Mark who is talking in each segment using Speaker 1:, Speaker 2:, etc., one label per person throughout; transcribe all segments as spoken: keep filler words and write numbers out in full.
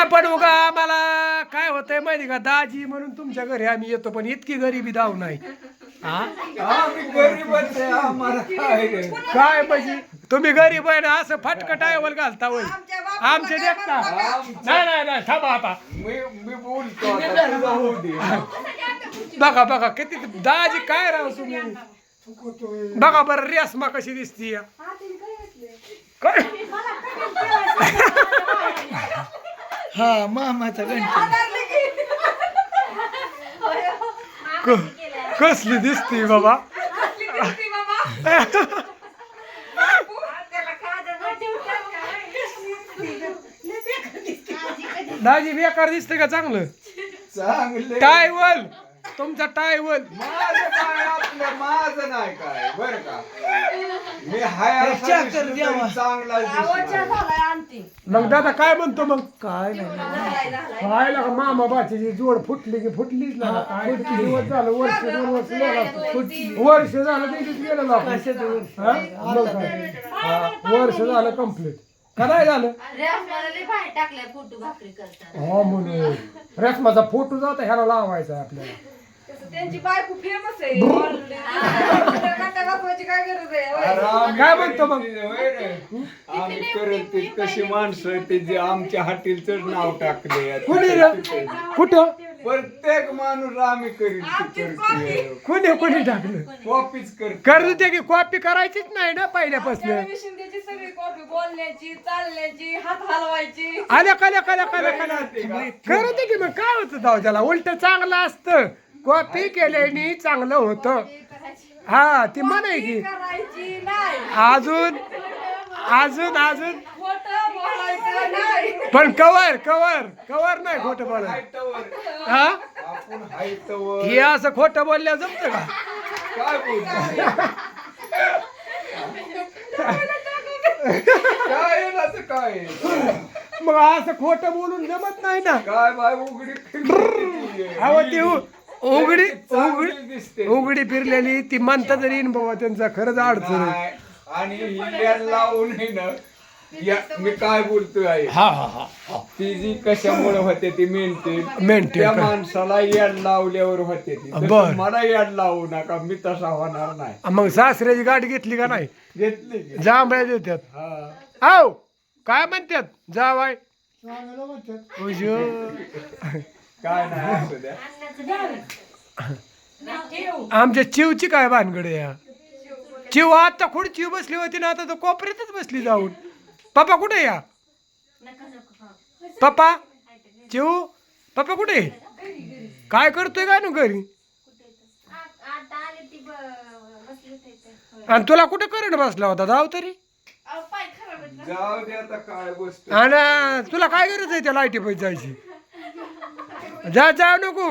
Speaker 1: पण उगा आम्हाला काय होतंय माहिती का, दाजी म्हणून तुमच्या घरी आम्ही येतो, पण इतकी गरिबी दाव नाही. हा
Speaker 2: आम्ही गरीबच आहे, आम्हाला काय रे.
Speaker 1: काय म्हणजे तुम्ही गरीब आहे ना, असं फटकं टायवल घालता होय आमचे देखता. नाही नाही नाही थांबा आता,
Speaker 2: मी मी बोलतो आता, तुझं होऊ दे.
Speaker 1: बघा बघा किती दाजी काय राव तुम्ही. बघा बरं रेसमा कशी दिसती काय.
Speaker 3: हा मामाचा गणपती
Speaker 1: कसली दिसती बाबा. दाजी बेकार दिसते का चांगलं.
Speaker 2: चांगले
Speaker 1: टायवल तुमचा टायवल.
Speaker 2: माझं काय आपलं माझं नाही काय बर का. मी हाय असा
Speaker 3: चहा कर
Speaker 2: दिसलो
Speaker 3: द्यावा.
Speaker 2: तरी चांगलाच दिसणार.
Speaker 1: मग दादा काय म्हणतो मग.
Speaker 3: काय नाही
Speaker 1: खायला का मामा बाची जोड फुटली की फुटलीच ना. काय किती दिवस झालं, वर्ष दोन वर्ष झालं, वर्ष झालं तिथेच गेलं ना. हा? मग काय? हा, वर्ष झालं कम्प्लीट का नाही झालं. हा म्हणून रस्माचा फोटो जाता ह्याला लावायचा आहे आपल्याला.
Speaker 4: त्यांची बायको फेमस आहे. काय गरज आहे.
Speaker 2: अरे आम्ही
Speaker 1: काय म्हणतो मग?
Speaker 2: करेल ते, होय रे. आम्ही करेल ते कशी माणसं आहेत ते जे आमच्या हॉटेलच नाव टाकले.
Speaker 1: कुणी रे कुठं
Speaker 2: प्रत्येक माणूस आम्ही करील ते करते.
Speaker 1: कोणी कोणी टाकलं.
Speaker 2: कॉपीच करते.
Speaker 1: करू दे की कॉपी करायचीच नाही ना पहिल्यापासून.
Speaker 4: रवी शिंदेची सगळी कॉपी बोलण्याची, चालण्याची, हात हलवायची.
Speaker 1: आल्या कल्या कल्या कल्या कल्या करू दे की मग काय होतं जाऊ त्याला. उलट चांगलं असतं. कॉपी केल्याने चांगलं होतं. हा ती म्हणाय की
Speaker 4: करायची नाही.
Speaker 1: अजून अजून अजून
Speaker 4: खोटं बोलायचं नाही.
Speaker 1: पण कवर कवर कवर नाही खोटं बोलायचं.
Speaker 2: हायतवर
Speaker 1: हा
Speaker 2: आपण हायतवर
Speaker 1: हे असं खोटं बोलल्या जमतं का.
Speaker 2: काय बोलतो. काय आहे ना ते काय आहे?
Speaker 1: मग असं खोटं बोलून जमत नाही ना.
Speaker 2: काय बाय उघडी फिरली.
Speaker 1: अहो ती उ- उघडी
Speaker 2: चांगली
Speaker 1: उघडी
Speaker 2: दिसते.
Speaker 1: उघडी फिरलेली ती म्हणता तरी येईन बाबा त्यांचा खरंच अडचण आहे.
Speaker 2: नाही. आणि ही याड लावून आहे ना, या- मी काय बोलतोय आहे.
Speaker 1: हा हा हा
Speaker 2: ती जी कशामुळे होते ती मेंटेन
Speaker 1: मेंटेन
Speaker 2: त्या
Speaker 1: कर.
Speaker 2: माणसाला याड लावल्यावर होते ती. तसं
Speaker 1: बर.
Speaker 2: मला याड लावू नका, मी तसा होणार नाही.
Speaker 1: मग सासऱ्याची गाडी घेतली का नाही.
Speaker 2: घेतली की?
Speaker 1: जांभळ्या देतात.
Speaker 2: हा.
Speaker 1: आव काय म्हणतात जावाय. उजो.
Speaker 2: काय नाही असू द्या.
Speaker 1: आमच्या चिवची काय भानगड आहे या. चिव आता कुठे चिव बसली होती ना, आता तर कोपऱ्यातच बसली जाऊन. पप्पा कुठे या. पप्पा चिव पप्पा कुठे काय करतोय काय ना घरी. आणि तुला कुठे करंट बसला होता जाऊ तरी.
Speaker 2: जाऊ दे आता काय गोष्ट.
Speaker 1: आणि तुला काय गरज आहे त्या लाईटी पैसे जायची. जा जाऊ नको.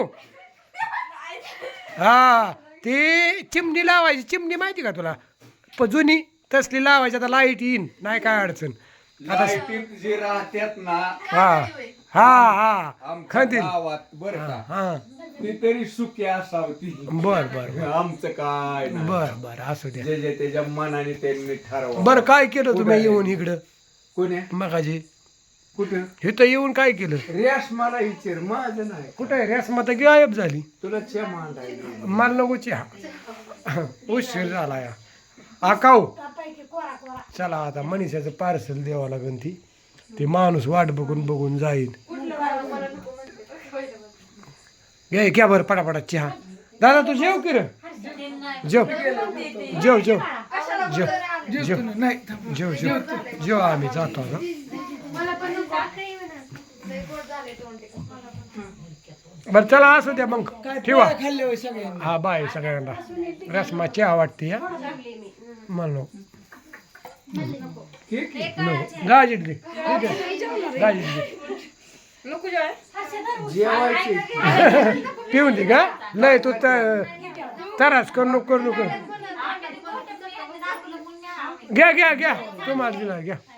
Speaker 1: हा ती चिमणी लावायची. चिमणी माहिती का तुला प जुनी तसली लावायची. आता लाईट येईन नाही काय अडचण. आता
Speaker 2: लाईटीत जे राहतात ना
Speaker 1: हा हा हा
Speaker 2: आमच्या
Speaker 1: खंदील.
Speaker 2: गावात बर का,
Speaker 1: हा
Speaker 2: ती तरी सुखी असावती.
Speaker 1: बर बर
Speaker 2: आमचं काय नाही.
Speaker 1: बर बर असू द्या.
Speaker 2: जे जे त्याच्या मनाने त्यांनी ठरवा.
Speaker 1: बर काय केलं तुम्ही येऊन इकडं
Speaker 2: कोणी
Speaker 1: मगाजी
Speaker 2: कुठं
Speaker 1: इथं येऊन काय केलं.
Speaker 2: रेस मला विचार, माझं नाही.
Speaker 1: कुठं आहे रेसमा तर गायब झाली.
Speaker 2: तुला चे मांडायला
Speaker 1: मला नको चहा उशीर झाला या. आकाऊ चला आता मनीषाचं पार्सल द्यावं लागेल. ती ती माणूस वाट बघून बघून जाईल. घे घ्या बरं पटापटा चहा. दादा तू जेव की रे. जेव जेव जेव जेव जेव
Speaker 3: नाही
Speaker 1: जेव जेव जेव आम्ही जातो आता. बरं चला असू द्या मग ठेवा.
Speaker 3: खाल्ले होय सगळ्यांनी.
Speaker 1: हा बाय सगळ्यांना. रसमा चहा वाटते या म्हणलो गाजीत दे गाजीत दे
Speaker 4: नको जेवाय.
Speaker 2: जेवायचे.
Speaker 1: पिऊन दे का लय तू तर तरास करू नको करू नको. घ्या घ्या घ्या तुम्हाला दिला घ्या.